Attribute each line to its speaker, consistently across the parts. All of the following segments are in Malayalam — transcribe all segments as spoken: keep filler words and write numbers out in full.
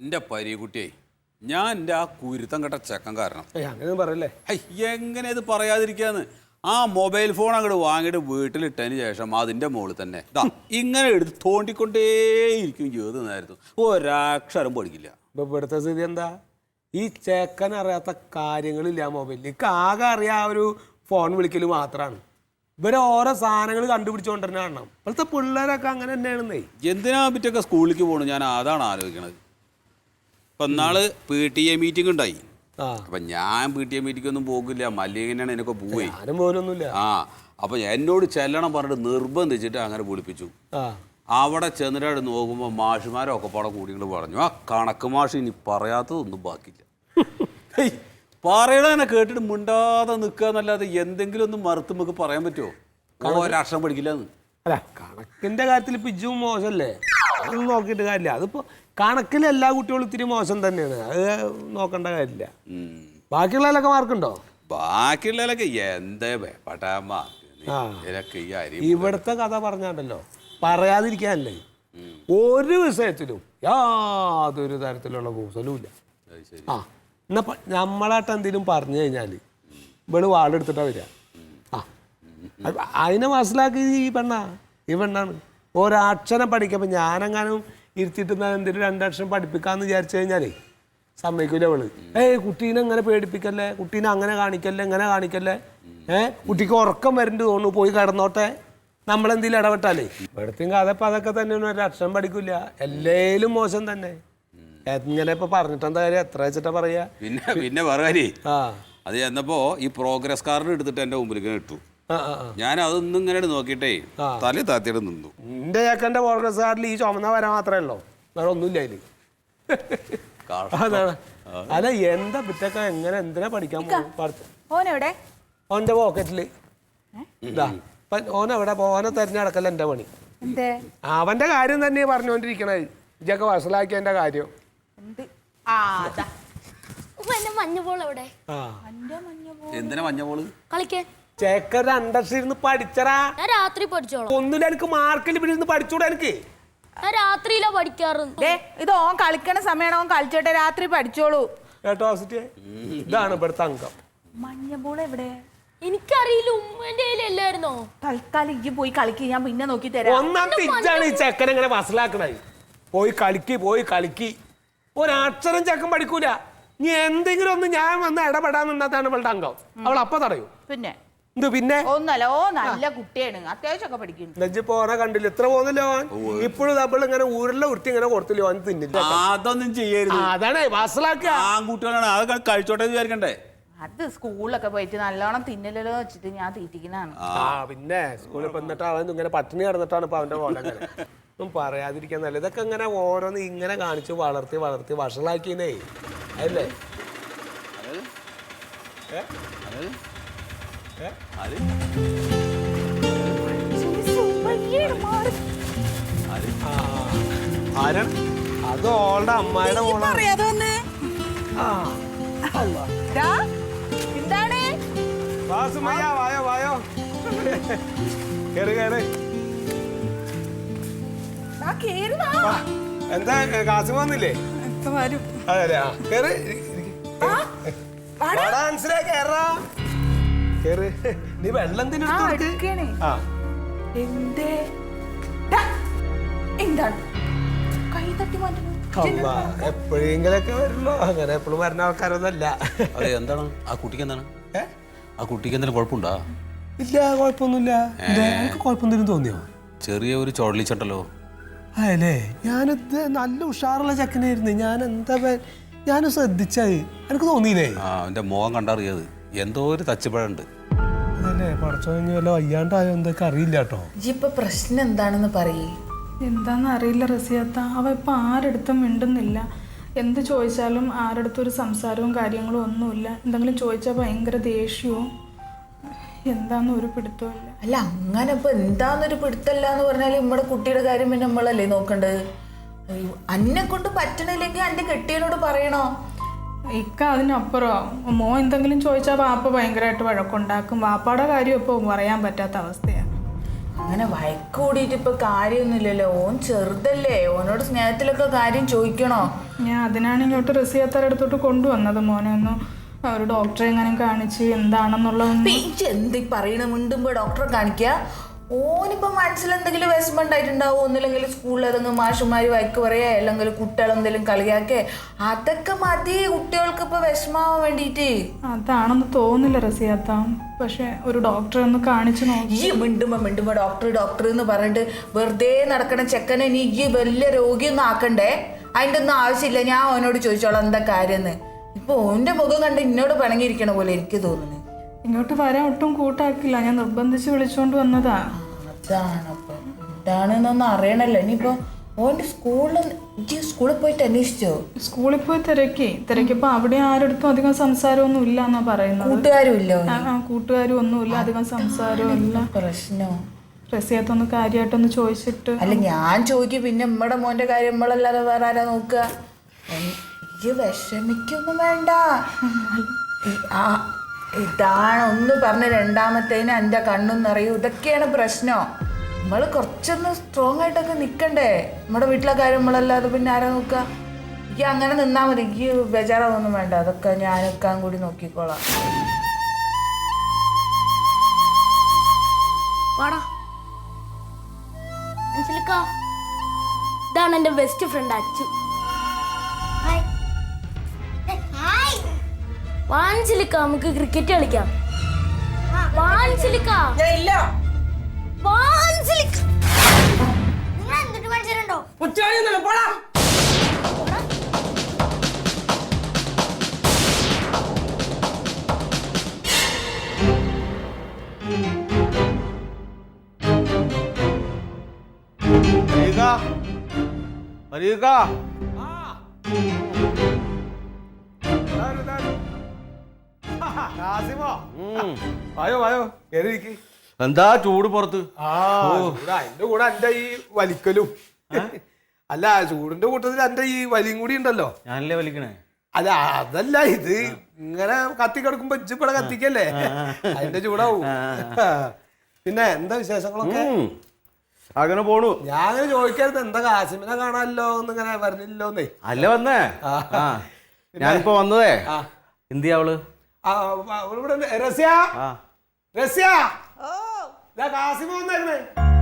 Speaker 1: എന്റെ പരീക്കുട്ടിയെ ഞാൻ എൻ്റെ ആ കുരുത്തം കെട്ട ചെക്കൻ കാരണം
Speaker 2: അങ്ങനെ പറയല്ലേ
Speaker 1: എങ്ങനെ ഇത് പറയാതിരിക്കാന്ന് ആ മൊബൈൽ ഫോൺ അങ്ങോട്ട് വാങ്ങിയിട്ട് വീട്ടിലിട്ടതിന് ശേഷം അതിൻ്റെ മുകളിൽ തന്നെ ഇങ്ങനെ എടുത്ത് തോണ്ടിക്കൊണ്ടേയിരിക്കും ചെയ്ത് നേരത്തും ഒരക്ഷരം പഠിക്കില്ല.
Speaker 2: ഇപ്പൊ ഇവിടുത്തെ സ്ഥിതി എന്താ? ഈ ചെക്കൻ അറിയാത്ത കാര്യങ്ങളില്ല മൊബൈലിൽ. എനിക്ക് ആകെ അറിയാം ആ ഒരു ഫോൺ വിളിക്കൽ മാത്രമാണ്. ഇവരെ ഓരോ സാധനങ്ങൾ കണ്ടുപിടിച്ചുകൊണ്ട് തന്നെ കാണണം. ഇപ്പോഴത്തെ പിള്ളേരൊക്കെ അങ്ങനെ തന്നെയാണെന്നേ.
Speaker 1: എന്തിനാ പറ്റൊക്കെ സ്കൂളിലേക്ക് പോകണം ഞാൻ അതാണ് ആലോചിക്കണത്. ഇപ്പം എന്നാള് പി ടി എ മീറ്റിംഗ് ഉണ്ടായി. അപ്പൊ ഞാൻ പി ടി എ മീറ്റിംഗ് ഒന്നും പോകില്ല, മല്ലികനാണ് എന്നൊക്കെ പോയി.
Speaker 2: ആരും പോലൊന്നുമില്ല.
Speaker 1: ആ അപ്പൊ എന്നോട് ചെല്ലണം പറഞ്ഞിട്ട് നിർബന്ധിച്ചിട്ട് അങ്ങനെ വിളിപ്പിച്ചു. അവിടെ ചെന്നിട്ട് നോക്കുമ്പോൾ മാഷുമാരൊക്കെ പാടെ കൂടിയിട്ട് പറഞ്ഞു ആ കണക്ക് മാഷ് ഇനി പറയാത്തതൊന്നും ബാക്കില്ല. പറയണ കേട്ടിട്ട് മിണ്ടാതെ നിൽക്കുക എന്നല്ലാതെ എന്തെങ്കിലും ഒന്നും മറുത്ത് നമുക്ക് പറയാൻ പറ്റുമോ? ഒരക്ഷരം പഠിക്കില്ലെന്ന്.
Speaker 2: അല്ല കണക്കിന്റെ കാര്യത്തിൽ ഇപ്പൊ ഇജ്ജും മോശമല്ലേ, അതൊന്നും നോക്കിയിട്ട് കാര്യമില്ല. അതിപ്പോ കണക്കിൽ എല്ലാ കുട്ടികളും ഇത്തിരി മോശം തന്നെയാണ്, അത് നോക്കേണ്ട കാര്യമില്ല. ബാക്കിയുള്ളതിലൊക്കെ മാർക്കുണ്ടോ?
Speaker 1: ബാക്കിയുള്ളതിലൊക്കെ എന്താ പട്ടാമ്മ
Speaker 2: ഇവിടുത്തെ കഥ പറഞ്ഞാണ്ടല്ലോ പറയാതിരിക്കാനല്ലേ. ഒരു വിഷയത്തിലും യാതൊരു തരത്തിലുള്ള കൂസലും ഇല്ല. ആ എന്നാ നമ്മളായിട്ട് എന്തെങ്കിലും പറഞ്ഞു കഴിഞ്ഞാല് ഇവള് വാളെടുത്തിട്ടാ വരിക. ആ അതിനെ മനസ്സിലാക്കി ഈ പെണ്ണാ ഈ പെണ്ണാണ്. ഒരക്ഷരം പഠിക്കുമ്പോൾ ഞാനെങ്ങാനും ഇരുത്തിയിട്ട് എന്തെങ്കിലും രണ്ടക്ഷരം പഠിപ്പിക്കാന്ന് വിചാരിച്ചു കഴിഞ്ഞാലേ സമ്മതിക്കൂല അവള്. ഏയ് കുട്ടീനെ അങ്ങനെ പേടിപ്പിക്കല്ലേ, കുട്ടീനെ അങ്ങനെ കാണിക്കല്ലേ, ഇങ്ങനെ കാണിക്കല്ലേ, ഏഹ് കുട്ടിക്ക് ഉറക്കം വരണ്ട് തോന്നുന്നു, പോയി കിടന്നോട്ടെ, നമ്മളെന്തെങ്കിലും ഇടപെട്ടാലേ. ഇവിടത്തെയും കഥപ്പം അതൊക്കെ തന്നെയാണ്. ഒരു അക്ഷരം പഠിക്കില്ല, എല്ലേലും മോശം തന്നെ. എങ്ങനെ ഇപ്പൊ പറഞ്ഞിട്ടെന്താ കാര്യം? എത്ര വെച്ചിട്ടാ പറയാ? പിന്നെ
Speaker 1: പിന്നെ പറയാനേ അത് ചെന്നപ്പോ ഈ പ്രോഗ്രസ് കാർഡ് എടുത്തിട്ട് എന്റെ മുമ്പിലേക്ക് ഇട്ടു. ഞാൻ അതൊന്നും ഇങ്ങനെ നോക്കിട്ടേ തല താത്തിയിട്ട് നിന്നു.
Speaker 2: എന്റെ ചേക്കന്റെ പ്രോഗ്രസ് കാർഡിൽ ഈ ചുമന്ന വര മാത്രമേ ഉള്ളൂ, വേറെ ഒന്നുമില്ല അതില്. അതാണ്. അല്ല എന്താ പിറ്റൊക്കെ എങ്ങനെ എന്തിനാ പഠിക്കാൻ പോകും? ഓന്റെ പോക്കറ്റില് ഇതാ ഓനെവിടെ ഓനെ തെരഞ്ഞെടുക്കല്ല എന്റെ പണി. അവന്റെ കാര്യം തന്നെ പറഞ്ഞുകൊണ്ടിരിക്കണേ. ഇതൊക്കെ വഷളാക്കിയതിന്റെ കാര്യം. ചേക്കർ രണ്ടക്ഷരം പഠിച്ചറാ.
Speaker 3: രാത്രി പഠിച്ചോളാം.
Speaker 2: ഒന്നുമില്ല എനിക്ക് മാർക്കിൽ പിടിച്ച് പഠിച്ചൂടാ. എനിക്ക്
Speaker 3: രാത്രിയിലാ പഠിക്കാറ്.
Speaker 4: ഇത് ഓൻ കളിക്കണ സമയമാണ്, ഓൻ കളിച്ചോട്ടെ, രാത്രി പഠിച്ചോളൂ
Speaker 2: കേട്ടോ. ഇതാണ് ഇവിടുത്തെ അംഗം.
Speaker 4: മഞ്ഞബോൾ എവിടെ?
Speaker 3: എനിക്കറിയില്ല, ഉമ്മന്റെ കയ്യിലല്ലായിരുന്നോ?
Speaker 4: തൽക്കാലം ഇജ്ജ് പോയി കളിക്ക്, ഞാൻ പിന്നെ നോക്കി തരാം.
Speaker 2: ഒന്നാമത്തെ ഇജ്ജാണ് ഈ ചെക്കൻ ഇങ്ങനെ വസലാക്കണേ. പോയി കളിക്ക് പോയി കളിക്ക്. ഒരക്ഷരം ചെക്കൻ പഠിക്കൂല. നീ എന്തെങ്കിലും ഒന്ന് ഞാൻ വന്ന് ഇടപെടാൻ നിന്നാത്താണ് ഇവളുടെ അംഗം. അവൾ അപ്പൊ തടയും.
Speaker 4: പിന്നെ
Speaker 2: എന്ത് പിന്നെ
Speaker 4: ഒന്നല്ല, ഓ നല്ല കുട്ടിയാണ്, അത്യാവശ്യമൊക്കെ പഠിക്കുന്നു.
Speaker 2: നെജ്ജ് പോനെ കണ്ടില്ല, ഇത്ര പോകുന്നില്ല ഓൻ. ഇപ്പോഴും നമ്മൾ ഇങ്ങനെ ഊരിലെ ഉരുട്ടി ഇങ്ങനെ കൊടുത്തില്ല, ഓൻ തിന്നില്ല.
Speaker 1: അതൊന്നും ചെയ്യരുത്.
Speaker 2: അതാണ് വസലാക്കുക.
Speaker 1: ആൺകുട്ടികളാണ്, അത് കഴിച്ചോട്ടെ വിചാരിക്കണ്ടേ.
Speaker 4: അത് സ്കൂളിലൊക്കെ പോയിട്ട് നല്ലോണം തിന്നലോ വെച്ചിട്ട് ഞാൻ തീറ്റിക്കുന്നതാണ്.
Speaker 2: ആ പിന്നെ സ്കൂളിൽ വന്നിട്ട് അവൻ ഇങ്ങനെ പട്ടിണി കിടന്നിട്ടാണ് ഇപ്പൊ അവന്റെ പോലെ. അങ്ങനെ ഒന്നും പറയാതിരിക്കാൻ നല്ല. ഇതൊക്കെ ഇങ്ങനെ ഓരോന്ന് ഇങ്ങനെ കാണിച്ച് വളർത്തി വളർത്തി വഷളാക്കിയേ അല്ലേ. അത് ഓളുടെ അമ്മായിയുടെ മോളാണ്.
Speaker 4: എന്താണ്?
Speaker 2: വായോ വായോ കേറി കേറി. എന്താ കാസിം വന്നില്ലേ? അതെ കേറി കേറി. നീ വെള്ളം എപ്പോഴെങ്കിലൊക്കെ വരുള്ളൂ, അങ്ങനെ എപ്പോഴും വരുന്ന ആൾക്കാരൊന്നല്ല.
Speaker 1: അതെ എന്താണ് ആ കുട്ടിക്ക് എന്താണ് ആ കുട്ടിക്ക് എന്തെങ്കിലും കുഴപ്പമുണ്ടോ?
Speaker 2: ഇല്ല കുഴപ്പമൊന്നുമില്ല. എനിക്ക് കുഴപ്പമൊന്നും തോന്നിയോ?
Speaker 1: ചെറിയ ഒരു ചുഴലിച്ചട്ടല്ലോ.
Speaker 2: അല്ലേ ഞാനത് നല്ല ഉഷാറുള്ള ചെക്കനായിരുന്നു. ഞാൻ എന്താ ഞാനും ശ്രദ്ധിച്ചായി, എനിക്ക് തോന്നിയില്ലേ?
Speaker 1: ആ അവന്റെ മുഖം കണ്ടറിയത് എന്തോ ഒരു തച്ചുപഴുണ്ട്.
Speaker 2: അതല്ലേ പടച്ചോ വല്ല വയ്യാണ്ടായോ എന്തൊക്കെ അറിയില്ല കേട്ടോ.
Speaker 4: ഇപ്പൊ പ്രശ്നം എന്താണെന്ന് പറയേ.
Speaker 5: എന്താന്ന് അറിയില്ല റസിയാത്ത, അവ ഇപ്പൊ ആരെടുത്തും മിണ്ടുന്നില്ല. എന്ത് ചോദിച്ചാലും ആരെടുത്തും ഒരു സംസാരവും കാര്യങ്ങളും ഒന്നുമില്ല. എന്തെങ്കിലും ചോദിച്ചാൽ ഭയങ്കര ദേഷ്യവും. എന്താന്ന് ഒരു പിടുത്തവും ഇല്ല.
Speaker 4: അല്ല അങ്ങനെ ഇപ്പൊ എന്താന്നൊരു പിടുത്തല്ല എന്ന് പറഞ്ഞാല് നമ്മുടെ കുട്ടിയുടെ കാര്യം പിന്നെ നമ്മളല്ലേ നോക്കണ്ടത്. അന്നെ കൊണ്ട് പറ്റണില്ലെങ്കിൽ അന്റെ കെട്ടിയനോട് പറയണോ?
Speaker 5: ഇക്ക അതിനപ്പുറം മോ എന്തെങ്കിലും ചോദിച്ചാൽ വാപ്പ ഭയങ്കരമായിട്ട് വഴക്കുണ്ടാക്കും. വാപ്പാടെ കാര്യം ഇപ്പോൾ പറയാൻ പറ്റാത്ത അവസ്ഥയാണ്.
Speaker 4: അങ്ങനെ വഴക്ക് കൂടിയിട്ട് ഇപ്പൊ കാര്യമൊന്നുമില്ലല്ലോ. ഓൻ ചെറുതല്ലേ, ഓനോട് സ്നേഹത്തിലൊക്കെ കാര്യം ചോദിക്കണോ?
Speaker 5: ഞാൻ അതിനാണ് ഇങ്ങോട്ട് റസിയാത്താരുടെ അടുത്തോട്ട് കൊണ്ടുവന്നത്. മോനെ ഒന്ന് ഒരു ഡോക്ടറെ എങ്ങനെ കാണിച്ച് എന്താണെന്നുള്ള
Speaker 4: എന്ത് പറയണ മിണ്ടുമ്പോ ഡോക്ടറെ കാണിക്ക. ഓനിപ്പോ മനസ്സിൽ എന്തെങ്കിലും വിഷമം ആയിട്ടുണ്ടാവും. ഒന്നില്ലെങ്കിൽ സ്കൂളിൽ ഏതെങ്കിലും മാഷുമാര് വഴക്ക് പറയാ, അല്ലെങ്കിൽ കുട്ടികളെന്തെങ്കിലും കളിയാക്കേ, അതൊക്കെ മതി കുട്ടികൾക്ക് ഇപ്പൊ വിഷമാവാൻ വേണ്ടിട്ട്.
Speaker 5: അതാണെന്ന് തോന്നില്ല റസിയാത്ത. പക്ഷെ ഒരു ഡോക്ടറെ ഒന്ന് കാണിച്ചു നോക്കി.
Speaker 4: ഈ മിണ്ടുമ്പോ മിണ്ടുമ്പോ ഡോക്ടർ ഡോക്ടർ എന്ന് പറഞ്ഞിട്ട് വെറുതെ നടക്കണ ചെക്കനെ നീ ഈ വലിയ രോഗിയൊന്നും ആക്കണ്ടേ. അതിൻ്റെ ഒന്നും ആവശ്യമില്ല. ഞാൻ അവനോട് ചോദിച്ചോളാം എന്താ കാര്യമെന്ന്. ഇപ്പൊ ഓന്റെ മുഖം കണ്ട് എന്നോട് പിണങ്ങിയിരിക്കണ പോലെ എനിക്ക് തോന്നുന്നു.
Speaker 5: ഇങ്ങോട്ട് വരാൻ ഒട്ടും കൂട്ടാക്കില്ല. ഞാൻ നിർബന്ധിച്ച് വിളിച്ചോണ്ട് വന്നതാ.
Speaker 4: അതാണ് അപ്പൊ എന്താണെന്നൊന്നും അറിയണല്ലോ. ഇനിയിപ്പോ ഓന്റെ സ്കൂളിൽ സ്കൂളിൽ പോയിട്ട് അന്വേഷിച്ചോ?
Speaker 5: സ്കൂളിൽ പോയി തിരക്കി തിരക്കിയപ്പോ അവിടെ ആരടുത്തും അധികം സംസാരമൊന്നും ഇല്ല എന്നാ പറയുന്നത്.
Speaker 4: കൂട്ടുകാരും ഇല്ലോ?
Speaker 5: ആ കൂട്ടുകാരും ഒന്നുമില്ല, അധികം സംസാരവും ഇല്ല.
Speaker 4: പ്രശ്നോ?
Speaker 5: റസിയാത്തൊന്ന് കാര്യമായിട്ടൊന്ന് ചോദിച്ചിട്ട്.
Speaker 4: അല്ല ഞാൻ ചോദിക്കും, പിന്നെ നമ്മടെ മോന്റെ കാര്യം നമ്മളല്ലാതെ വേറെ ആരാ നോക്കുക? ഈ വിഷമിക്കൊന്നും വേണ്ട. ഇതാണ് ഒന്ന് പറഞ്ഞ രണ്ടാമത്തേന് എൻ്റെ കണ്ണും നിറയും. ഇതൊക്കെയാണ് പ്രശ്നം. നമ്മൾ കുറച്ചൊന്ന് സ്ട്രോങ് ആയിട്ടൊക്കെ നിൽക്കണ്ടേ. നമ്മുടെ വീട്ടിലെ കാര്യം നമ്മളല്ലാതെ പിന്നെ ആരാ നോക്കുക? ഈ അങ്ങനെ നിന്നാൽ മതി. ഈ ബേജാറാവൊന്നും വേണ്ട. അതൊക്കെ ഞാനൊക്കെ കൂടി നോക്കിക്കോളാം.
Speaker 3: ഇതാണ് എൻ്റെ ബെസ്റ്റ് ഫ്രണ്ട് അച്ചു. വാൻസിലിക്ക നമുക്ക് ക്രിക്കറ്റ് കളിക്കാം. വാൻസിലിക്ക
Speaker 4: ഇല്ല
Speaker 3: വാൻസിലിക്ക നിങ്ങൾ എന്തിട്ട് മത്സരമുണ്ടോ?
Speaker 2: പോടാ. വായോ വായോ കേറിയിരിക്ക്.
Speaker 1: എന്താ ചൂട് പുറത്ത്?
Speaker 2: അതിന്റെ കൂടെ എന്റെ ഈ വലിക്കലും അല്ല, ചൂടിന്റെ കൂട്ടത്തിൽ എന്റെ ഈ വലിയും കൂടി ഉണ്ടല്ലോ.
Speaker 1: ഞാനല്ലേ വലിക്കണേ?
Speaker 2: അല്ല അതല്ല, ഇത് ഇങ്ങനെ കത്തി കിടക്കുമ്പോ ഇച്ചിപ്പടെ കത്തിക്കല്ലേ, അതിന്റെ ചൂടാവും. പിന്നെ എന്താ വിശേഷങ്ങളൊക്കെ?
Speaker 1: അങ്ങനെ പോണു.
Speaker 2: ഞാൻ അങ്ങനെ ചോദിക്കരുത്, എന്താ കാസിമിനെ കാണാനല്ലോ എന്നിങ്ങനെ പറഞ്ഞില്ലോന്നേ.
Speaker 1: അല്ല വന്നേ, ഞാനിപ്പോ വന്നതേ. എന്തിയാ അവള്?
Speaker 2: റസ്യ റസ്യ കാസിമ വന്നേ.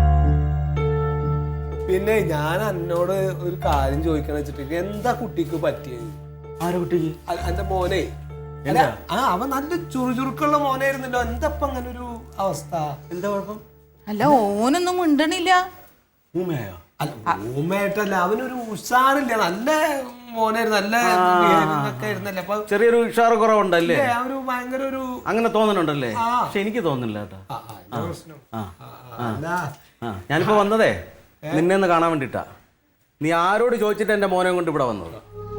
Speaker 2: പിന്നെ ഞാൻ എന്നോട് ഒരു കാര്യം ചോദിക്കണ വെച്ചിട്ട്, എന്താ കുട്ടിക്ക് പറ്റിയത്?
Speaker 1: ആരെ കുട്ടിക്ക്?
Speaker 2: എന്റെ മോനെ. ആ അവൻ നല്ല ചുറുചുറുക്കുള്ള മോനായിരുന്നല്ലോ. എന്താ ഇപ്പൊ അങ്ങനെ ഒരു അവസ്ഥ? എന്താ കുഴപ്പം?
Speaker 4: അല്ല ഓനൊന്നും മിണ്ടണില്ല.
Speaker 1: ഊമയായോ?
Speaker 2: അല്ല ഊമയായിട്ടല്ല, അവനൊരു ഉഷാറില്ല. നല്ല മോനായിരുന്നു, നല്ല ഒക്കെ ആയിരുന്നല്ലേ. അപ്പൊ
Speaker 1: ചെറിയൊരു ഉഷാറ് കുറവുണ്ടല്ലേ?
Speaker 2: അവര് ഭയങ്കര ഒരു
Speaker 1: അങ്ങനെ തോന്നുന്നുണ്ടല്ലേ? പക്ഷെ എനിക്ക് തോന്നുന്നില്ല കേട്ടോ. ഞാനിപ്പോ വന്നതേ നിന്നെ ഒന്ന് കാണാൻ വേണ്ടിട്ടാ. നീ ആരോട് ചോദിച്ചിട്ട് എന്റെ മോനെ കൊണ്ട് ഇവിടെ വന്നത്?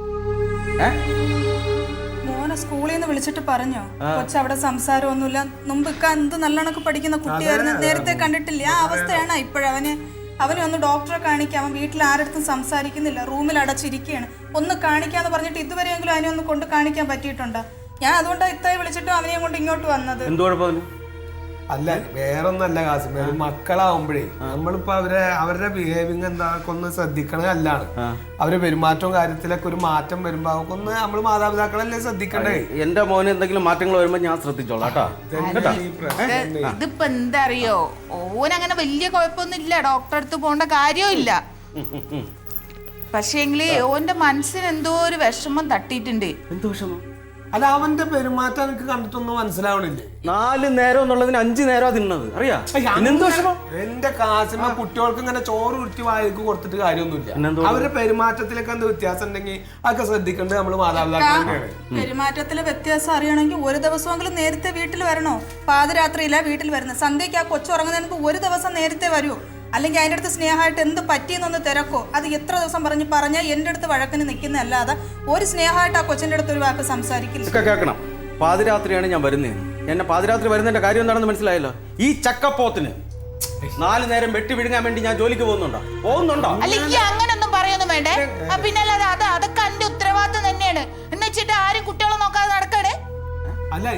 Speaker 5: മോനെ സ്കൂളിൽ നിന്ന് വിളിച്ചിട്ട് പറഞ്ഞോ? കൊച്ചു അവിടെ സംസാരമൊന്നുമില്ല. മുമ്പൊക്കെ എന്ത് നല്ലോണക്ക് പഠിക്കുന്ന കുട്ടിയായിരുന്നു, നേരത്തെ കണ്ടിട്ടില്ല. ആ അവസ്ഥയാണ് ഇപ്പോഴവന്. അവനെ ഒന്ന് ഡോക്ടറെ കാണിക്കാം. അവൻ വീട്ടിൽ ആരടുത്തും സംസാരിക്കുന്നില്ല, റൂമിൽ അടച്ചിരിക്കുകയാണ്. ഒന്ന് കാണിക്കാന്ന് പറഞ്ഞിട്ട് ഇതുവരെയെങ്കിലും അവനെ ഒന്ന് കൊണ്ട് കാണിക്കാൻ പറ്റിയിട്ടുണ്ടോ? ഞാൻ അതുകൊണ്ടാണ് ഇത്തായി വിളിച്ചിട്ടും അവനെയും കൊണ്ട് ഇങ്ങോട്ട് വന്നത്.
Speaker 1: എന്ത് കുഴപ്പം?
Speaker 2: അല്ല വേറൊന്നല്ല കാസിമ, മക്കളാവുമ്പോഴേ നമ്മളിപ്പോ അവരെ അവരുടെ ബിഹേവിങ് എന്താക്കെ ഒന്ന് ശ്രദ്ധിക്കണത് അല്ലാണ്. അവരെ പെരുമാറ്റവും കാര്യത്തിലൊക്കെ ഒരു മാറ്റം വരുമ്പോ അവർക്ക് ഒന്ന് നമ്മൾ മാതാപിതാക്കളല്ലേ ശ്രദ്ധിക്കണ്ടേ.
Speaker 1: എന്റെ മോന് എന്തെങ്കിലും മാറ്റങ്ങൾ വരുമ്പോ ഞാൻ ശ്രദ്ധിച്ചോളാം കേട്ടോ.
Speaker 4: ഇതിപ്പോ എന്താ അറിയോ, ഓനങ്ങനെ വലിയ കുഴപ്പമൊന്നും ഇല്ല. ഡോക്ടറെ അടുത്ത് പോകേണ്ട കാര്യവും ഇല്ല. പക്ഷേങ്കില് ഓന്റെ മനസ്സിന് എന്തോ ഒരു വിഷമം തട്ടിയിട്ടുണ്ട്.
Speaker 1: എന്ത് വിഷമം?
Speaker 2: അല്ല അവന്റെ പെരുമാറ്റം എനിക്ക് കണ്ടിട്ടൊന്നും മനസ്സിലാവണില്ലേ.
Speaker 1: നാല് നേരം എന്നുള്ളതിന് അഞ്ചു നേരം തിന്നത് അറിയാ.
Speaker 2: എന്റെ കാസിമ കുട്ടികൾക്ക് ഇങ്ങനെ ചോറ് ഉരുട്ടി വായിക്ക് കൊടുത്തിട്ട് കാര്യമൊന്നുമില്ല. അവരുടെ പെരുമാറ്റത്തിലൊക്കെ എന്ത് വ്യത്യാസം ഉണ്ടെങ്കിൽ അതൊക്കെ ശ്രദ്ധിക്കേണ്ടത് നമ്മള് മാതാപിതാക്കളാണ്.
Speaker 5: പെരുമാറ്റത്തിലെ വ്യത്യാസം അറിയണമെങ്കിൽ ഒരു ദിവസമെങ്കിലും നേരത്തെ വീട്ടിൽ വരണോ? പാതിരാത്രിയിലാ വീട്ടിൽ വരുന്നത്. സന്ധ്യയ്ക്ക് ആ കൊച്ചു ഉറങ്ങുന്നതിന് ഒരു ദിവസം നേരത്തെ വരൂ. അല്ലെങ്കിൽ അതിൻ്റെ അടുത്ത് സ്നേഹമായിട്ട് എന്ത് പറ്റിയെന്നൊന്ന് തിരക്കോ. അത് എത്ര ദിവസം പറഞ്ഞ് പറഞ്ഞാൽ എൻ്റെ അടുത്ത് വഴക്കിന് നിൽക്കുന്നതല്ലാതെ ഒരു സ്നേഹമായിട്ട് ആ കൊച്ചിൻ്റെ അടുത്ത് ഒരു വാക്ക് സംസാരിക്കില്ല.
Speaker 1: കേൾക്കണം, പാതിരാത്രിയാണ് ഞാൻ വരുന്നത്. എന്നെ പാതിരാത്രി വരുന്നതിന്റെ കാര്യം എന്താണെന്ന് മനസ്സിലായല്ലോ. ഈ ചക്കപ്പോത്തിന് നാല് നേരം വെട്ടി വിഴുങ്ങാൻ വേണ്ടി ഞാൻ ജോലിക്ക് പോകുന്നുണ്ടോ? പോകുന്നുണ്ടോ?
Speaker 4: അല്ലെങ്കിൽ അങ്ങനൊന്നും പറയൊന്നും വേണ്ടേ. പിന്നല്ലാതെ അത് അതൊക്കെ എന്റെ ഉത്തരവാദിത്വം തന്നെയാണ്. എന്ന് വെച്ചിട്ട് ആരും കുട്ടികളെ നോക്കാതെ നടക്കണേ.
Speaker 2: അല്ല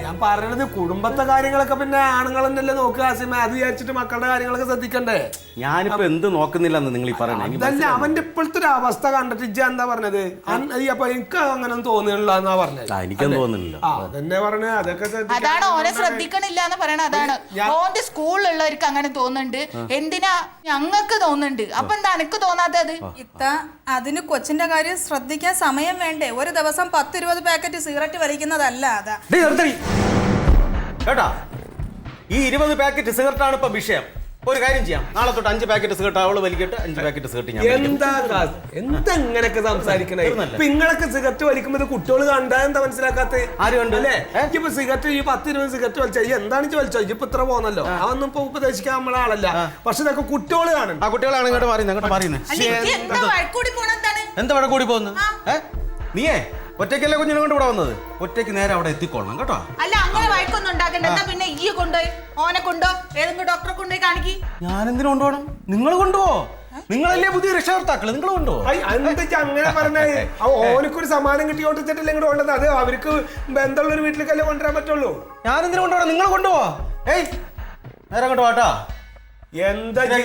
Speaker 2: ഞാൻ പറയണത് കുടുംബത്തെ കാര്യങ്ങളൊക്കെ പിന്നെ ആണുങ്ങൾ തന്നെയല്ലേ നോക്കുക ആസിമ. അത് വിചാരിച്ചിട്ട് മക്കളുടെ കാര്യങ്ങളൊക്കെ ശ്രദ്ധിക്കണ്ടേ?
Speaker 6: ഞാനിപ്പോ എന്ത് നോക്കുന്നില്ലെന്ന് നിങ്ങൾ ഈ പറയണേ.
Speaker 2: അതല്ല, അവന്റെ ഇപ്പോഴത്തെ ഒരു അവസ്ഥ കണ്ടിട്ട് ഇജ്ജ എന്താ പറഞ്ഞത്? അപ്പൊ എനിക്ക് അങ്ങനെ തോന്നുന്നില്ല എന്നാ പറഞ്ഞത്.
Speaker 6: എനിക്കൊന്നും തോന്നുന്നില്ല.
Speaker 2: ആ അതെന്നെ പറഞ്ഞ അതൊക്കെ
Speaker 7: അതാണ് ഓനെ ശ്രദ്ധിക്കണില്ല എന്ന് പറയണ. അതാണ് ഓന്റെ സ്കൂളിലുള്ളവർക്ക് അങ്ങനെ തോന്നുന്നുണ്ട്. എന്തിനാ ഞങ്ങൾക്ക് തോന്നുന്നുണ്ട്. അപ്പൊ എന്താ എനിക്ക് തോന്നാത്തത്?
Speaker 8: ഇത്ത അതിന് കൊച്ചിന്റെ കാര്യം ശ്രദ്ധിക്കാൻ സമയം വേണ്ടേ? ഒരു ദിവസം പത്ത് ഇരുപത് പാക്കറ്റ് സിഗരറ്റ് വലിക്കുന്നതല്ല അതാ.
Speaker 6: കേട്ടാ, ഈ ഇരുപത് പാക്കറ്റ് സിഗരറ്റ് ആണ് ഇപ്പൊ വിഷയം. ഒരു കാര്യം ചെയ്യാം, നാളെ തൊട്ട് അഞ്ച് പാക്കറ്റ് സിഗരറ്റ് അവള് വലിക്കട്ടെ, അഞ്ച് പാക്കറ്റ് സിഗരറ്റ് ഞാൻ വലിക്കാം.
Speaker 2: എന്താ എന്താ ഇങ്ങനൊക്കെ സംസാരിക്കണേ? നിങ്ങളൊക്കെ സിഗരറ്റ് വലിക്കുമ്പോ കുട്ടികൾ കണ്ടാ എന്താ മനസ്സിലാക്കാത്ത?
Speaker 6: ആര് കണ്ടു
Speaker 2: അല്ലേ? ഇപ്പൊ സിഗരറ്റ് ഈ പത്ത് ഇരുപത് സിഗരറ്റ് വലിച്ച എന്താണ് വലിച്ചോ? ഇപ്പൊ ഇത്ര പോന്നല്ലോ, അതൊന്നും ഇപ്പൊ ഉപദേശിക്കാൻ നമ്മളെ ആളല്ല. പക്ഷെ ഇതൊക്കെ കുട്ടികൾ കാണും.
Speaker 6: ആ കുട്ടികളാണ് ഇങ്ങോട്ട് പറയുന്നത്, അങ്ങോട്ട് പറയുന്നത്. എന്താ വഴ കൂടി പോകുന്നത്? ഏ നീയേ ഒറ്റയ്ക്കല്ലേ കുഞ്ഞിനെ കൊണ്ട് ഇവിടെ വന്നത്? ഒറ്റയ്ക്ക് നേരെ അവിടെ എത്തിക്കൊള്ളണം കേട്ടോ.
Speaker 7: അല്ല അങ്ങനെ വഴക്കൊന്നും ഉണ്ടാക്കണ്ട. എന്താ പിന്നെ ഈ കൊണ്ടുപോയി ഓനെ കൊണ്ടോ ഏതെങ്കിലും ഡോക്ടറെ കൊണ്ടുപോയി കാണിക്കി.
Speaker 6: ഞാൻ എന്തിനു കൊണ്ടുപോകണം? നിങ്ങൾ കൊണ്ടുപോ. നിങ്ങളല്ലേ പുതിയ രക്ഷകർത്താക്കള്, നിങ്ങൾ കൊണ്ടുപോ.
Speaker 2: എന്തൊക്കെ അങ്ങനെ പറഞ്ഞേ? ഓനക്കൊരു സമ്മാനം കിട്ടി കൊണ്ടിട്ടില്ല ഇങ്ങോട്ട് കൊണ്ടത്. അത് അവർക്ക് ബന്ധമുള്ള ഒരു വീട്ടിലേക്കല്ലേ കൊണ്ടുവരാൻ പറ്റുള്ളൂ.
Speaker 6: ഞാൻ എന്തിനു കൊണ്ടുപോകണം? നിങ്ങൾ കൊണ്ടുപോവാ. ഏയ് നേരെ കൊണ്ടുപോവാ കേട്ടോ.
Speaker 2: എന്താ
Speaker 6: ഇല്ല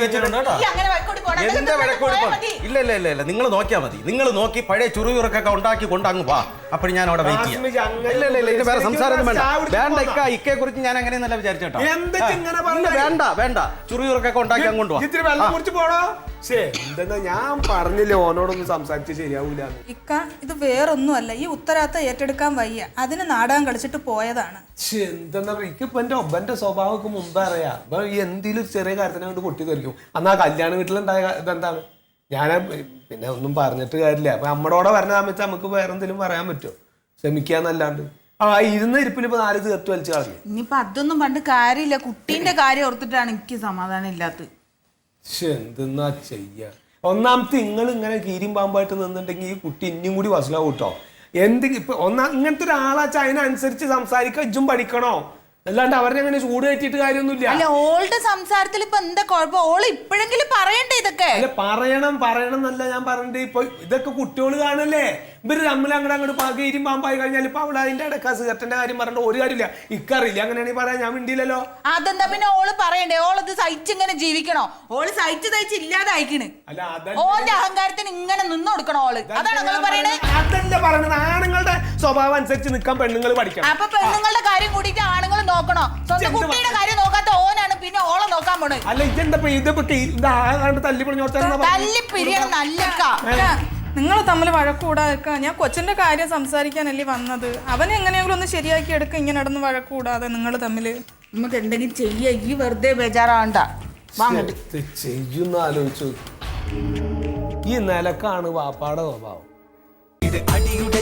Speaker 6: ഇല്ല ഇല്ല ഇല്ല നിങ്ങൾ നോക്കിയാ മതി. നിങ്ങൾ നോക്കി പഴയ ചുറുചുറുക്കൊക്കെ ഉണ്ടാക്കി കൊണ്ട് അങ്ങ് വാ. അപ്പോൾ ഞാൻ അവിടെ വെയിറ്റ് ചെയ്യാം. ഇല്ല ഇല്ല ഇല്ല ഇത് വേറെ സംസാരം വേണ്ട. വേണ്ട ഇക്ക ഇക്കയെ കുറിച്ച് ഞാൻ അങ്ങനെയൊന്നല്ല വിചാരിച്ചേട്ടോ. വേണ്ട വേണ്ട ചുറുചുറുക്കൊക്കെ ഉണ്ടാക്കി അങ്ങോട്ട് വാ.
Speaker 2: ഇത്തിരി വെള്ളം കുടിച്ച് പോണോ? എന്താ ഞാൻ പറഞ്ഞില്ലേ ഓനോടൊന്നും സംസാരിച്ച് ശരിയാവൂല.
Speaker 8: ഇക്ക ഇത് വേറൊന്നുമല്ല, ഈ ഉത്തരാത്ത ഏറ്റെടുക്കാൻ വയ്യ. അതിന് നാടകം കളിച്ചിട്ട് പോയതാണ്.
Speaker 2: എന്താ എനിക്കിപ്പോ എന്റെ ഒബ്ബന്റെ സ്വഭാവമൊക്കെ മുമ്പേ അറിയാം. അപ്പൊ ഈ എന്തെങ്കിലും ഒരു ചെറിയ കാര്യത്തിനെ കൊണ്ട് പൊട്ടി തെറിക്കും. അന്ന് ആ കല്യാണ വീട്ടിലുണ്ടായ ഇതെന്താണ്? ഞാൻ പിന്നെ ഒന്നും പറഞ്ഞിട്ട് കാര്യമില്ല. അപ്പൊ നമ്മളോടെ വരുന്ന സമയത്ത് നമുക്ക് വേറെ എന്തെങ്കിലും പറയാൻ പറ്റുമോ? ക്ഷമിക്കാന്നല്ലാണ്ട് ആ ഇരുന്ന ഇരിപ്പിൽ ഇപ്പൊ നാല് തീർത്ത് വലിച്ചു കളഞ്ഞു.
Speaker 7: ഇനിയിപ്പൊ അതൊന്നും പണ്ട് കാര്യമില്ല. കുട്ടീന്റെ കാര്യം ഓർത്തിട്ടാണ് എനിക്ക് സമാധാനം ഇല്ലാത്തത്.
Speaker 2: എന്തെന്നാ ചെയ്യ? ഒന്നാമത്തെ നിങ്ങൾ ഇങ്ങനെ കീരിയും പാമ്പായിട്ട് നിന്നിട്ടുണ്ടെങ്കിൽ ഈ കുട്ടി ഇനിയും കൂടി വസലാവും കേട്ടോ. എന്തെങ്കിലും ഇപ്പൊ ഒന്നാ ഇങ്ങനത്തെ ഒരാളാച്ചാ അതിനനുസരിച്ച് സംസാരിക്കാൻ ഇജ്ജും പഠിക്കണോ? അല്ലാണ്ട് അവരെ അങ്ങനെ ചൂട് കയറ്റിയിട്ട് കാര്യമൊന്നുമില്ല.
Speaker 7: അല്ല ഓളുടെ സംസാരത്തിൽ ഇപ്പൊ എന്താ കുഴപ്പം? ഓള് ഇപ്പോഴെങ്കിലും പറയണ്ടേ ഇതൊക്കെ?
Speaker 2: അല്ല പറയണം പറയണം എന്നല്ല ഞാൻ പറഞ്ഞിട്ട്. ഇപ്പൊ ഇതൊക്കെ കുട്ടികൾ കാണല്ലേ? ഇവര് തമ്മിൽ അങ്ങോട്ട് അങ്ങോട്ട് പകയിരും പാമ്പായി കഴിഞ്ഞാൽ ഇപ്പൊ അവിടെ അതിന്റെ ഇടയ്ക്ക് സിഗരറ്റിന്റെ കാര്യം പറഞ്ഞിട്ട് ഒരു കാര്യമില്ല. ഇക്കറിയില്ല അങ്ങനെയാണെങ്കിൽ പറയാൻ ഞാൻ മിണ്ടിയില്ലല്ലോ.
Speaker 7: അതെന്താ പിന്നെ ഓള് പറയണ്ടേ? ഓളത് സഹിച്ചിങ്ങനെ ജീവിക്കണോ? ഓള് സഹിച്ച് സഹിച്ച് ഇല്ലാതായിക്കണ്. ഓന്റെ അഹങ്കാരത്തിന് ഇങ്ങനെ നിന്ന് കൊടുക്കണോ ഓള്? അതാണ് നിങ്ങൾ പറയണേ?
Speaker 2: അതല്ല പറഞ്ഞത്. ആണുങ്ങളുടെ സ്വഭാവം അനുസരിച്ച് നിൽക്കാൻ പെണ്ണുങ്ങൾ പഠിക്കണം.
Speaker 7: അപ്പൊ പെണ്ണുങ്ങളുടെ കാര്യം കൂടിയിട്ട് ആണുങ്ങൾ നോക്കണോ? സ്വന്തം കുട്ടിയുടെ കാര്യം നോക്കാത്ത ഓനാണ് പിന്നെ ഓളെ നോക്കാൻ പോണത്.
Speaker 2: അല്ല ഇതെന്താ ഇതാണ്ട് തല്ലി
Speaker 7: തല്ലി പിരിയണം നല്ല.
Speaker 8: നിങ്ങൾ തമ്മിൽ വഴക്കൂടാതെ ഞാൻ കൊച്ചിന്റെ കാര്യം സംസാരിക്കാനല്ലേ വന്നത്. അവനെ എങ്ങനെയെങ്കിലും ഒന്ന് ശരിയാക്കി എടുക്കുക. ഇങ്ങനെ നടന്ന് വഴക്കൂടാതെ നിങ്ങൾ തമ്മില്
Speaker 7: നമുക്ക് എന്തെങ്കിലും ചെയ്യ. ഈ വെറുതെ ബേജാറാവണ്ട.
Speaker 2: ചെയ്യുന്ന ആലോചിച്ചു. ഈ നിലക്കാണ് വാപ്പാടെ സ്വഭാവം.
Speaker 9: ഇത് അടിയുടെ